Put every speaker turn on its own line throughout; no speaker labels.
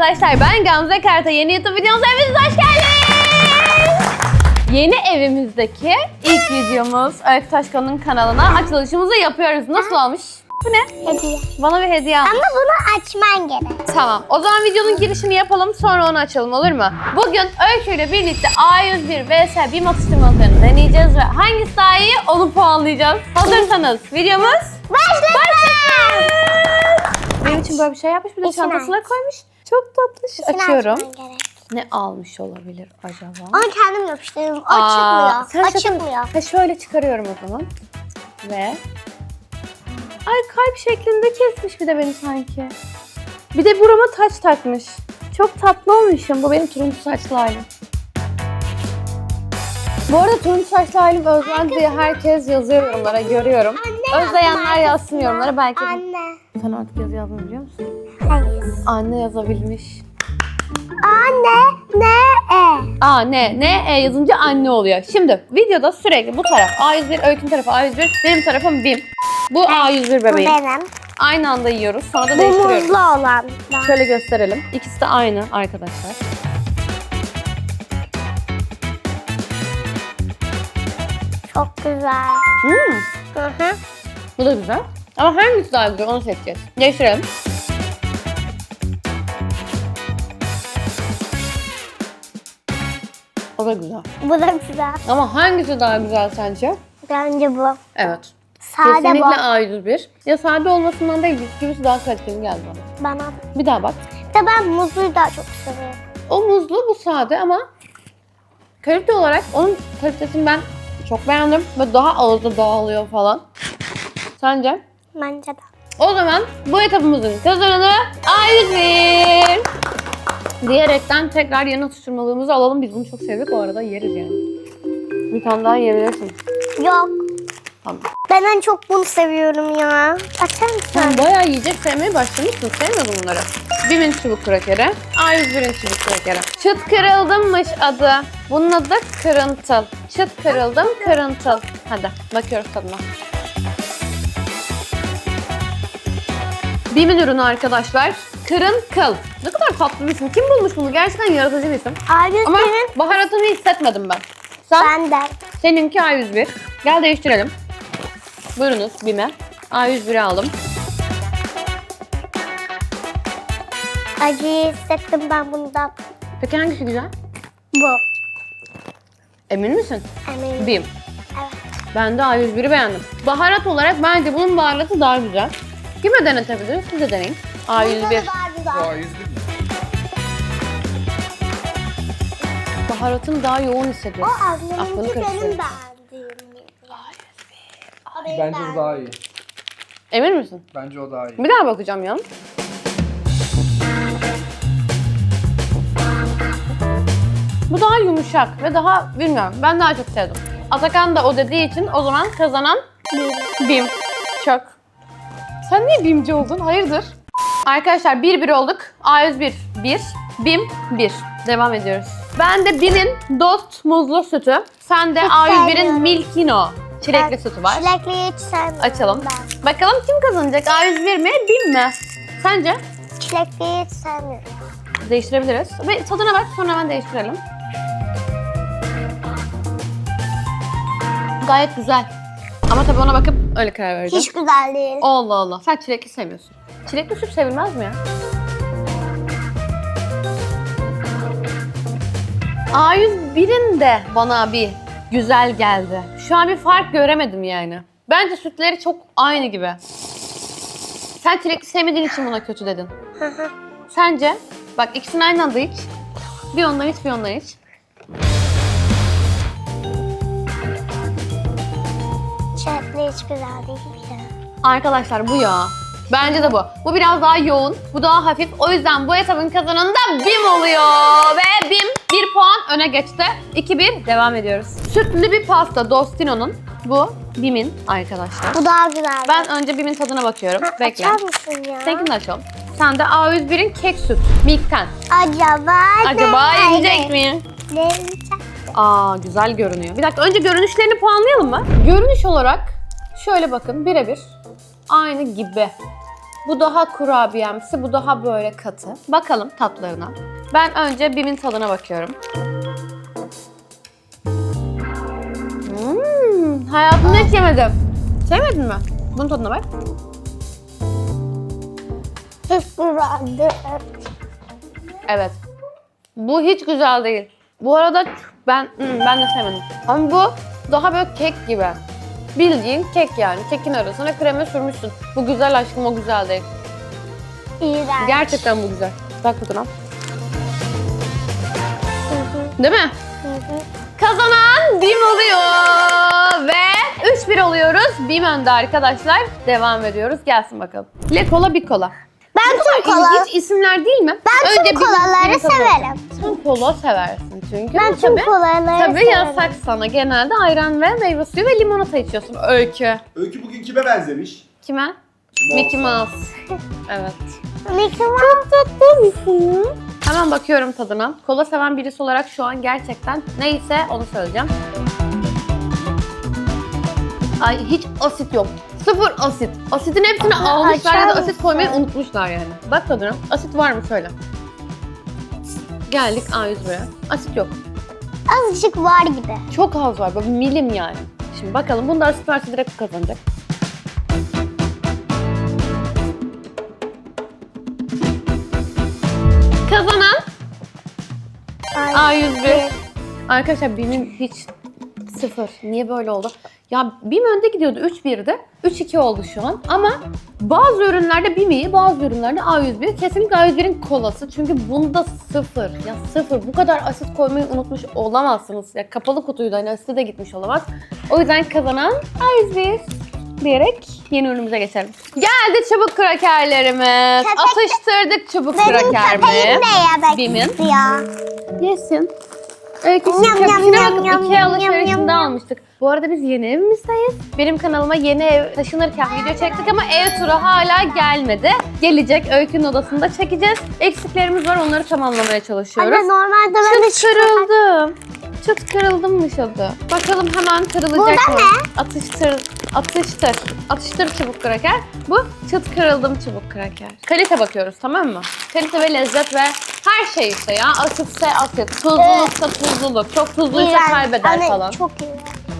arkadaşlar, ben Gamze Karta. Yeni YouTube videomuza hepiniz hoş geldiniz. Yeni evimizdeki ilk videomuz Öykü Taşkon'un kanalına açılışımızı yapıyoruz. Nasıl olmuş? Bu ne?
Hediye.
Bana bir hediye almış.
Ama bunu açman gerek.
Tamam. O zaman videonun girişini yapalım, sonra onu açalım, olur mu? Bugün Öykü ile birlikte A101 vs BİM atıştırmalıklarını deneyeceğiz ve hangisi daha iyi onu puanlayacağız. Hazırsanız videomuz başlasın. Benim için böyle bir şey yapmış, bir de
İçine
çantasına
aç.
koymuş. Çok tatlış.
İçini
Açıyorum.
açman gerek.
Ne almış olabilir acaba?
Onu kendim yapıştırdım. O
Aa,
çıkmıyor. O
şaka-
çıkmıyor.
Ha, şöyle çıkarıyorum o zaman. Ve... Ay, kalp şeklinde kesmiş bir de beni sanki. Bir de burama taç takmış. Çok tatlı olmuşum. Bu benim turuncu saçlı halim. Bu arada turuncu saçlı halim özlendi diye herkes yazıyor yorumlara, görüyorum.
Anne,
Özleyenler yazsın yorumlara belki.
Anne.
Sen artık yazı yazmayı biliyor musun?
Hayır.
Anne yazabilmiş.
Anne.
Ne yazınca anne oluyor. Şimdi videoda sürekli bu taraf A101, Öykü'nün tarafı A101, benim tarafım BİM. Bu A101
Bu
bebeğim.
benim.
Aynı anda yiyoruz, sonra da
Bu
değiştiriyoruz.
muzlu olan.
Şöyle gösterelim. İkisi de aynı arkadaşlar.
Çok güzel. Hı hı.
Bu da güzel. Ama hangisi daha güzel onu seçeceğiz. Değiştirelim. O da güzel.
Bu da güzel.
Ama hangisi daha güzel sence?
Bence bu.
Evet.
Sade
Kesinlikle
bu.
A101. Ya sade olmasından değil, bisküvisi daha kaliteli geldi bana.
Bana.
Bir daha bak.
De ben muzluyu daha çok seviyorum.
O muzlu, bu sade ama kalite olarak onun kalitesini ben çok beğendim. Ve daha ağızda dağılıyor falan. Sence?
Bence de.
O zaman bu etapımızın kazananı A101. Diyerekten tekrar yeni atıştırmalığımızı alalım. Biz bunu çok sevdik, o arada yeriz yani. Bir tane daha yiyebilirsin.
Yok.
Tamam.
Ben en çok bunu seviyorum ya. Açar mısın?
Sen bayağı yiyecek sevmeye başlamışsın. Sevmiyordun bunları. BİM'in çubuk krakeri, A101'in çubuk krakeri. Çıt kırıldımmış adı. Bunun adı kırıntıl. Çıt kırıldım, kırıntıl. Hadi bakıyoruz tadına. BİM'in ürünü arkadaşlar. Kırınkıl. Ne kadar tatlı bir isim. Kim bulmuş bunu? Gerçekten yaratıcı bir isim. Ama
A101'in
baharatını hissetmedim ben. Sen,
benden.
seninki A101. Gel değiştirelim. Buyurunuz BİM'e. A101'i aldım.
Acıyı hissettim ben bundan.
Peki hangisi güzel?
Bu.
Emin misin?
Eminim.
BİM.
Evet.
Ben de A101'i beğendim. Baharat olarak bence bunun baharatı daha güzel. Kime denetebiliriz? Siz de deneyin. A101.
Bunda da daha güzel.
A101 mi?
Baharatını daha yoğun
O
hissediyorum. Aklını
ablamınki
karıştırıyorum.
benim beğendiğim. O benim
Bence o daha iyi.
Emin misin?
Bence o daha iyi.
Bir daha bakacağım ya. Bu daha yumuşak ve daha bilmiyorum. Ben daha çok sevdim. Atakan da o dediği için o zaman kazanan BİM. Çok. Sen niye BİM'ci oldun? Hayırdır? Arkadaşlar 1-1 olduk. A101 1, BİM 1. Devam ediyoruz. Ben de BİM'in Dost muzlu sütü. Sen de
Hiç
A101'in
sevmiyorum.
Milkino çilekli sütü var.
Çilekliyi hiç sevmiyorum
Açalım.
ben.
Bakalım kim kazanacak? A101 mi, BİM mi? Sence?
Çilekliyi hiç sevmiyorum.
Değiştirebiliriz. Ve tadına bak, sonra hemen değiştirelim. Gayet güzel. Ama tabii ona bakıp öyle karar vereceğim.
Hiç güzel değil.
Allah Allah. Sen çilekli sevmiyorsun. Çilekli süt sevilmez mi ya? A101'in de bana bir güzel geldi. Şu an bir fark göremedim yani. Bence sütleri çok aynı gibi. Sen çilekli sevmediğin için buna kötü dedin. Sence? Bak ikisini aynı anda iç. Bir ondan iç, bir ondan iç.
Çilekli hiç güzel değil ya.
Arkadaşlar bu ya. Bence de bu. Bu biraz daha yoğun, bu daha hafif. O yüzden bu etapın kazananı da BİM oluyor. Ve BİM 1 puan öne geçti. 2-1 devam ediyoruz. Sütlü bir pasta Dostino'nun. Bu BİM'in arkadaşlar.
Bu daha güzel.
Ben önce BİM'in tadına bakıyorum. Bekle.
Açar mısın ya?
Seninkini de açalım. Sen de A101'in kek süt. Milk'ten.
Acaba
ne yiyecek mi?
Ne yiyecek?
Aa, güzel görünüyor. Bir dakika, önce görünüşlerini puanlayalım mı? Görünüş olarak şöyle bakın, birebir aynı gibi. Bu daha kurabiyemsi, bu daha böyle katı. Bakalım tatlarına. Ben önce BİM'in tadına bakıyorum. Hayatımda hiç yemedim. Sevmedin mi? Bunun tadına bak.
Hiç güzeldi.
Evet. Bu hiç güzel değil. Bu arada ben de sevmedim. Ama bu daha böyle kek gibi. Bildiğin kek yani. Kekin arasına krema sürmüşsün. Bu güzel aşkım, o güzel değil.
İğrenç.
Gerçekten bu güzel. Bak tadına. Değil mi? Kazanan BİM oluyor ve 3-1 oluyoruz. BİM önde arkadaşlar. Devam ediyoruz. Gelsin bakalım. Le kola bir kola.
Ben tüm kola.
İlginç isimler değil mi?
Ben tüm kolaları severim.
Sen kola seversin çünkü.
Ben tüm kolaları
Tabii
severim.
yasak sana. Genelde ayran ve meyve suyu ve limonata içiyorsun. Öykü.
Öykü bugün kime benzemiş?
Kime?
Kim
Mickey
olsa.
Mouse. Evet.
Mickey Mouse.
Tatlı mısın? Hemen bakıyorum tadına. Kola seven birisi olarak şu an gerçekten neyse onu söyleyeceğim. Ay hiç asit yok. Sıfır asit. Asitin hepsini almışlar ya da asit
mısın?
koymayı unutmuşlar yani. Bak tadına. Asit var mı söyle. Geldik A101'e. Asit yok.
Azıcık var gibi.
Çok az var. Böyle milim yani. Şimdi bakalım. Bunda asit varsa direkt kazanacak. Kazanan A101. Arkadaşlar BİM'in hiç sıfır. Niye böyle oldu? Ya BİM önde gidiyordu 3-1'de. 3-2 oldu şu an. Ama bazı ürünlerde BİM iyi, bazı ürünlerde A101. Kesinlikle A101'in kolası. Çünkü bunda sıfır. Ya sıfır. Bu kadar asit koymayı unutmuş olamazsınız. Ya kapalı kutuydu. Hani asite de gitmiş olamaz. O yüzden kazanan A101 diyerek yeni ürünümüze geçelim. Geldi çubuk krakerlerimiz.
Köpek-
Atıştırdık çubuk
Benim
kraker
köpeğim
mi?
de yemek
BİM'in.
istiyor.
Yesin. Öyküsü
Yam, yam,
köpüşüne
yam,
bakıp
yam,
Ikea
yam,
alışverişinde
yam, yam.
almıştık. Bu arada biz yeni evimizdeyiz. Benim kanalıma yeni ev taşınırken video çektik ama ev turu hala gelmedi. Gelecek, Öykü'nün odasında çekeceğiz. Eksiklerimiz var, onları tamamlamaya çalışıyoruz.
Anne normalde ben
Çıt kırıldım. Çıt kırıldım adı. Bakalım hemen kırılacak
Burada
mı?
ne?
Atıştır çubuk kraker. Bu çıt kırıldım çubuk kraker. Kalite bakıyoruz, tamam mı? Kalite ve lezzet ve her şey işte ya. Asitse asit, tuzluluksa tuzluluk. Çok tuzluysa kaybeder
Anne,
falan.
çok iyi.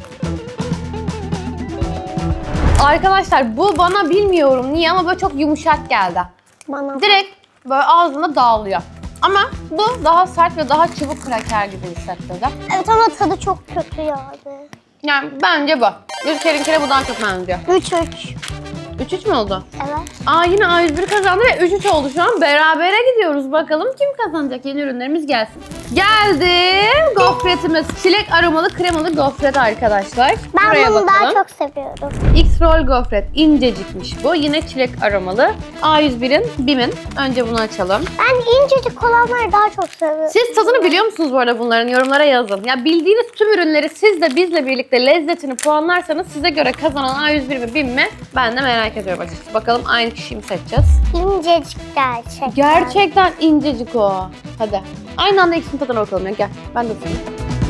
Arkadaşlar bu bana bilmiyorum niye ama böyle çok yumuşak geldi.
Bana
Direkt böyle ağzında dağılıyor. Ama bu daha sert ve daha çubuk kraker gibi hissettirdi.
Evet ama tadı çok kötü yani.
Yani bence bu. Ülkerinkine bu daha çok benziyor.
3-3.
3-3 mü oldu?
Evet.
Aa yine A101 kazandı ve 3-3 oldu şu an. Berabere gidiyoruz. Bakalım kim kazanacak? Yeni ürünlerimiz gelsin. Geldi. Gofretimiz. Çilek aromalı kremalı gofret arkadaşlar.
Ben
Buraya
bunu
bakalım.
daha çok seviyorum.
X-Roll gofret. İncecikmiş bu. Yine çilek aromalı. A101'in, BİM'in. Önce bunu açalım.
Ben incecik olanları daha çok seviyorum.
Siz tadını biliyor musunuz bu arada bunların? Yorumlara yazın. Ya bildiğiniz tüm ürünleri siz de bizle birlikte lezzetini puanlarsanız size göre kazanan A101 ve BİM mi? Ben de merak ediyorum açıkçası. Bakalım aynı kişiyi mi seçeceğiz?
İncecik gerçekten.
Gerçekten incecik o. Hadi. Aynı anda ikisinin tadına bakalım ya. Gel. Ben de sana.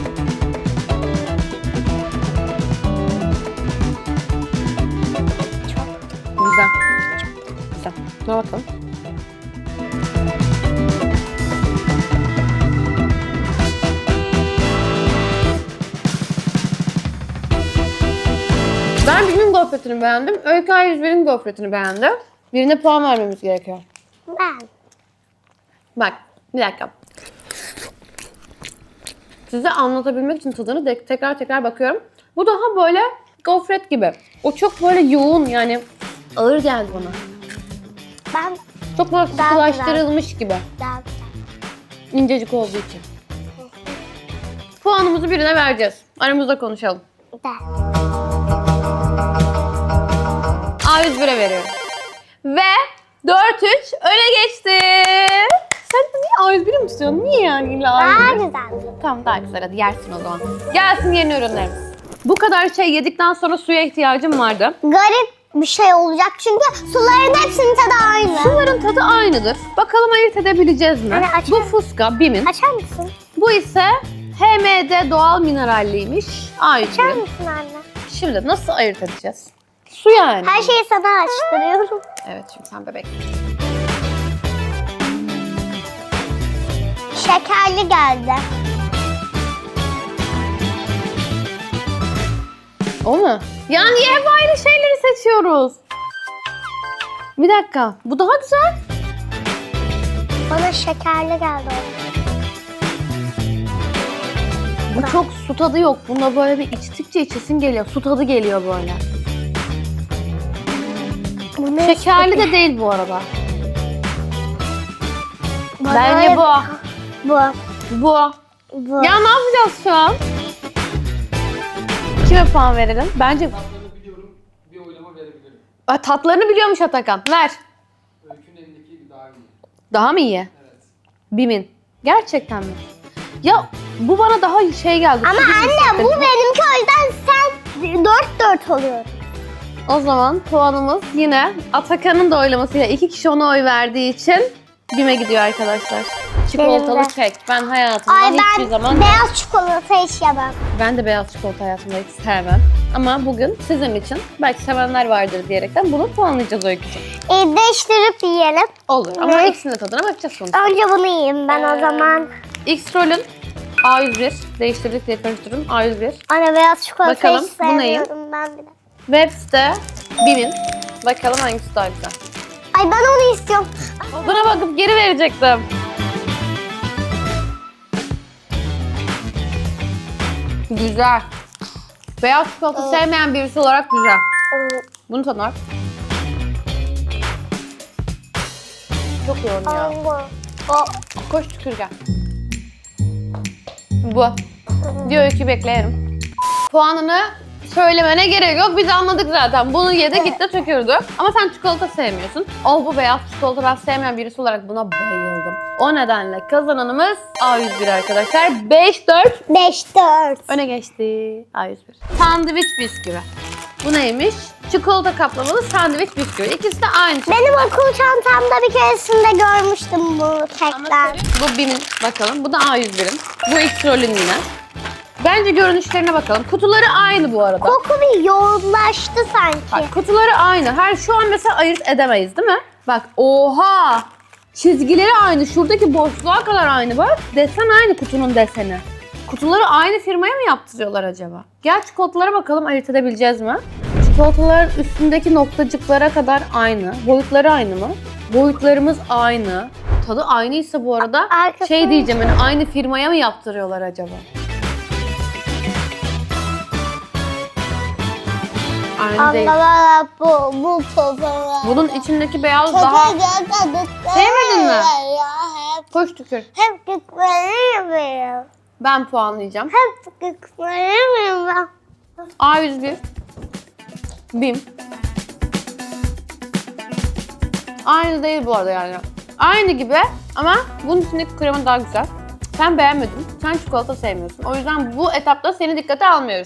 Güzel. Güzel. Buna bakalım. Ben BİM'in gofretini beğendim. Öykü A101'in gofretini beğendi. Birine puan vermemiz gerekiyor.
Ben.
Bak, bir dakika. Size anlatabilmek için tadını tekrar bakıyorum. Bu daha böyle gofret gibi. O çok böyle yoğun yani ağır geldi bana.
Ben
Çok böyle
Daha
sıkılaştırılmış gibi.
daha
İncecik olduğu için. Puanımızı birine vereceğiz. Aramızda konuşalım.
ben.
A101'e veriyorum. Ve 4-3 öne geçti. Sen de niye A101'i mi tutuyorsun? Niye yani illa
Daha
A101?
güzel.
Tamam daha güzel, hadi yersin o zaman. Gelsin yeni ürünlerimiz. Bu kadar şey yedikten sonra suya ihtiyacım vardı.
Garip bir şey olacak çünkü suların hepsinin tadı aynı.
Suların tadı aynıdır. Bakalım ayırt edebileceğiz mi?
Anne, açar
Bu
mısın?
Fuska, BİM'in.
Açar mısın?
Bu ise HMD doğal mineralliymiş.
Açar
A101'in.
mısın anne?
Şimdi nasıl ayırt edeceğiz? Su yani.
Her şeyi sana açtırıyorum.
Evet çünkü sen bebek.
Şekerli geldi.
O mu? Ya niye hep aynı şeyleri seçiyoruz? Bir dakika. Bu daha güzel.
Bana şekerli geldi.
Bu çok su tadı yok. Bunda böyle bir içtikçe içesin geliyor. Su tadı geliyor böyle.
Bu ne?
Şekerli de değil bu arada.
Bana
Bence bu.
Bu.
Bu.
Bu.
Ya ne yapacağız şu an? Kime puan verelim? Bence
Tatlarını biliyorum, bir oylama verebilirim.
tatlarını biliyormuş Atakan. Ver.
Öykünün elindeki daha iyi.
Daha mı iyi?
Evet.
Bim'in. Gerçekten mi? Ya bu bana daha şey geldi.
Ama
su gibi
anne
hissettirdi.
bu benimki, o yüzden sen 4-4 oluyor.
O zaman puanımız yine Atakan'ın da oylamasıyla 2 kişi ona oy verdiği için Bim'e gidiyor arkadaşlar. Çikolatalı
Benim de.
kek. Ben hayatımda
Ay
hiçbir
ben
zaman...
beyaz çikolata hiç yemem.
Ben de beyaz çikolata hayatımda hiç sevmem. Ama bugün sizin için belki sevenler vardır diyerekten bunu puanlayacağız Öykücüğüm.
Değiştirip yiyelim.
Olur ama
Ne?
ikisinin de tadına bakacağız sonuçta.
Önce bunu yiyeyim ben o zaman.
X-Roll'ün A101. Değiştirdik diye karıştırdım. A101.
Anne beyaz çikolata
Bakalım,
hiç
bu neyim?
sevmiyorum ben bile.
Webs'te Bim'in. Bakalım hangisi daha güzel.
Ay ben onu istiyorum.
Buna bakıp geri verecektim. Güzel. Beyaz çikolata sevmeyen birisi olarak güzel. Bunu tadına bak. Çok yoğun ya.
O.
Koş tükür gel. Bu. Diyor ki bekleyelim. Puanını söylemene gerek yok. Biz anladık zaten. Bunu yedi gitti tükürdü. Ama sen çikolata sevmiyorsun. Bu beyaz çikolata ben sevmeyen birisi olarak buna bayıldım. O nedenle kazananımız A101 arkadaşlar. 5-4
5-4.
öne geçti. A101. Sandviç bisküvi. Bu neymiş? Çikolata kaplamalı sandviç bisküvi. İkisi de aynı şey.
Benim okul çantamda bir keresinde görmüştüm bu kekler.
Bu Bim'in bakalım. Bu da A101'in. Bu X-Roll'ün yine. Bence görünüşlerine bakalım. Kutuları aynı bu arada.
Koku bir yoğunlaştı sanki.
Bak kutuları aynı. Her şu an mesela ayırt edemeyiz değil mi? Bak oha! Çizgileri aynı. Şuradaki boşluğa kadar aynı bak. Desen aynı kutunun deseni. Kutuları aynı firmaya mı yaptırıyorlar acaba? Gel çikolatalara bakalım ayırt edebileceğiz mi? Çikolataların üstündeki noktacıklara kadar aynı. Boyutları aynı mı? Boyutlarımız aynı. Tadı aynıysa bu arada
Arkasını-
şey diyeceğim hani aynı firmaya mı yaptırıyorlar acaba? Aynı değil.
Allah bu fotoğraf.
Bunun içindeki beyaz daha... Sevmedin mi? Koş tükür.
Hep gitmeliyim.
Ben puanlayacağım.
Hep gitmeliyim ben.
A101. Bim. Aynı değil bu arada yani. Aynı gibi ama bunun içindeki krema daha güzel. Sen beğenmedin. Sen çikolata sevmiyorsun. O yüzden bu etapta seni dikkate almıyoruz.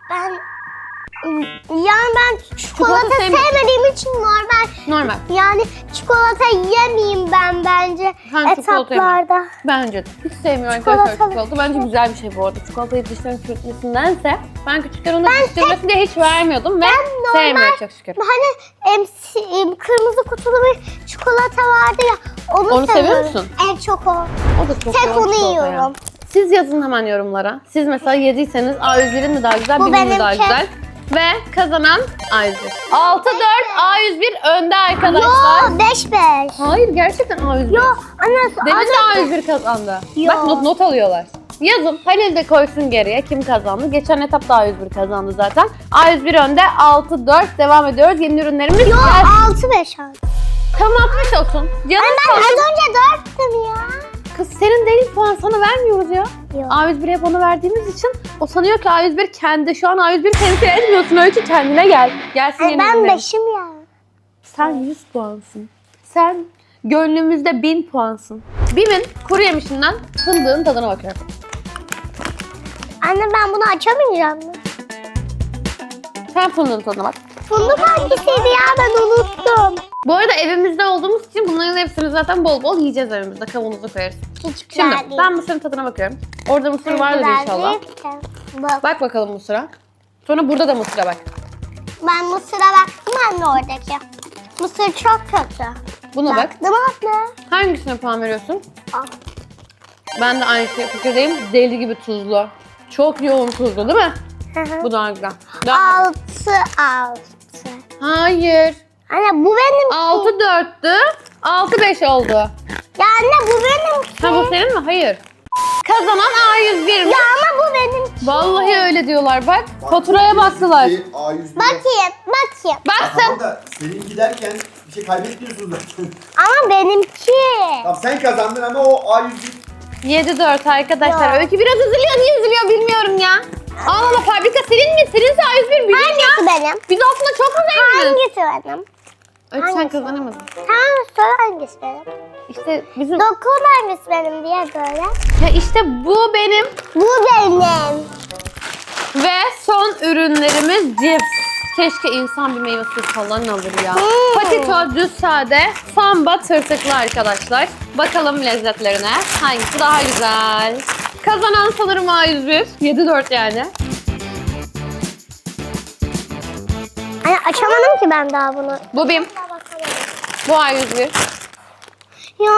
Ben çikolata
sevmiyorsun.
sevmediğim için normal.
Normal.
Yani çikolata yemeyeyim ben bence
Sen çikolata yeme.
etaplarda.
Bence de. Hiç sevmiyorum arkadaşlar
Çikolatalı.
çikolata. Bence güzel bir şey bu arada. Çikolatayı dişlerin çürütmesindense ben küçükken onu dişlemesin diye hiç vermiyordum ve sevmiyorum çok şükür.
Hani kırmızı kutulu bir çikolata vardı ya.
Onu seviyor
seviyorum.
musun?
En çok o.
O da çok
Tek
yoğun
onu
çikolata
yiyorum.
Siz yazın hemen yorumlara. Siz mesela yediyseniz A101'in mi daha güzel,
Bu
Bim'in mi daha
benimki.
güzel? Ve kazanan A101. 6-4 A101 önde arkadaşlar.
Yo 5-5.
Hayır gerçekten A101.
Yo anne
Demin de A101 kazandı.
Yo.
Bak not alıyorlar. Yazın. Halil de koysun geriye kim kazandı. Geçen etapta A101 kazandı zaten. A101 önde 6-4 devam ediyoruz. Yeni ürünlerimiz
Yo
gelsin.
6-5 abi.
Tamam 60 olsun. Canım
Ben az önce 4'tüm ya.
Kız senin değil puan sana vermiyoruz ya.
Yok.
A101'e hep ona verdiğimiz için o sanıyor ki A101 kendi. Şu an A101 temsil etmiyorsun. Öykü kendine gel. Gelsin yeni
Ben
ürünlerin.
5'im ya.
Sen 100 puansın. Sen gönlümüzde 1000 puansın. Bim'in kuru yemişinden fındığın tadına bakıyorum.
Anne ben bunu açamayacağım mı?
Sen fındığın tadına bak.
Fındık hangisiydi ya ben unuttum.
Bu arada evimizde olduğumuz için bunların hepsini zaten bol bol yiyeceğiz evimizde. Kavanoza koyarız.
Hiç güzel
Şimdi
değil.
ben mısırın tadına bakıyorum. Orada mısır vardır
Güzel
inşallah.
değil ki. Bak.
Bak bakalım mısıra. Sonra burada da mısıra bak.
Ben mısıra bak. anne oradaki. Mısır çok kötü.
Buna bak.
Baktım abla.
Hangisine puan veriyorsun?
Al.
Ben de aynı fikirdeyim. Deli gibi tuzlu. Çok yoğun tuzlu değil mi? Bu daha güzel. Daha...
6.
Hayır.
Anne bu benim.
6-4'tü. 6-5 oldu.
Ya anne bu benim.
Ha bu senin mi? Hayır. Kazanan A101 mi?
Ya ama bu benim.
Vallahi öyle diyorlar bak. Faturaya baktılar.
A101.
Bakayım.
Bak sen.
Tamam da senin giderken bir şey kaybetmiyorsun zaten.
Ama benimki.
Tamam sen kazandın ama o A101.
7-4 arkadaşlar.
Ya.
Öykü biraz üzülüyor. Niye üzülüyor bilmiyorum ya. Allah Allah, fabrika senin mi? Seninse A101 bizim ya.
Hangisi benim?
Biz aslında çok mu zenginiz?
Hangisi benim?
Öykü sen
hangisi?
kazanamadın.
Tamam sor hangisi benim?
İşte bizim...
Dokun hangisi benim diye böyle.
Ya işte bu benim.
Bu benim.
Ve son ürünlerimiz cips. Keşke insan bir meyve suyu falan alır ya. Patito düz sade, samba tırtıklı arkadaşlar. Bakalım lezzetlerine. Hangisi daha güzel? Kazanan sanırım A101. 7-4 yani.
Hani açamadım ki ben daha bunu.
Bu BİM. Bu A101.
Ya.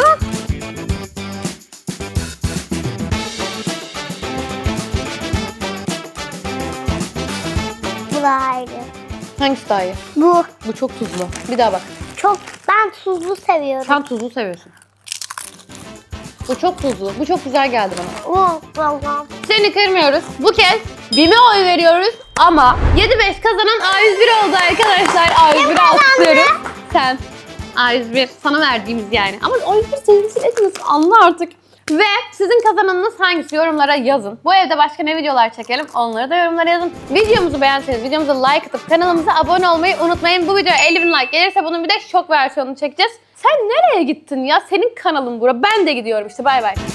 Bu daha iyi.
Hangisi daha iyi?
Bu.
Bu çok tuzlu. Bir daha bak.
Çok ben tuzlu seviyorum.
Sen tuzlu seviyorsun. Bu çok tuzlu. Bu çok güzel geldi bana.
Tamam.
Seni kırmıyoruz. Bu kez BİM'e oy veriyoruz ama 7-5 kazanan A101 oldu arkadaşlar. A101'i alkışlıyorum. Sen. A101 sana verdiğimiz yani. Ama A101 sevgisi etmiyorsun. Anla artık. Ve sizin kazananınız hangisi? Yorumlara yazın. Bu evde başka ne videolar çekelim? Onları da yorumlara yazın. Videomuzu beğenseniz videomuza like atıp kanalımıza abone olmayı unutmayın. Bu videoya 50.000 like gelirse bunun bir de şok versiyonunu çekeceğiz. Sen nereye gittin ya? Senin kanalın bura. Ben de gidiyorum işte. Bay bay.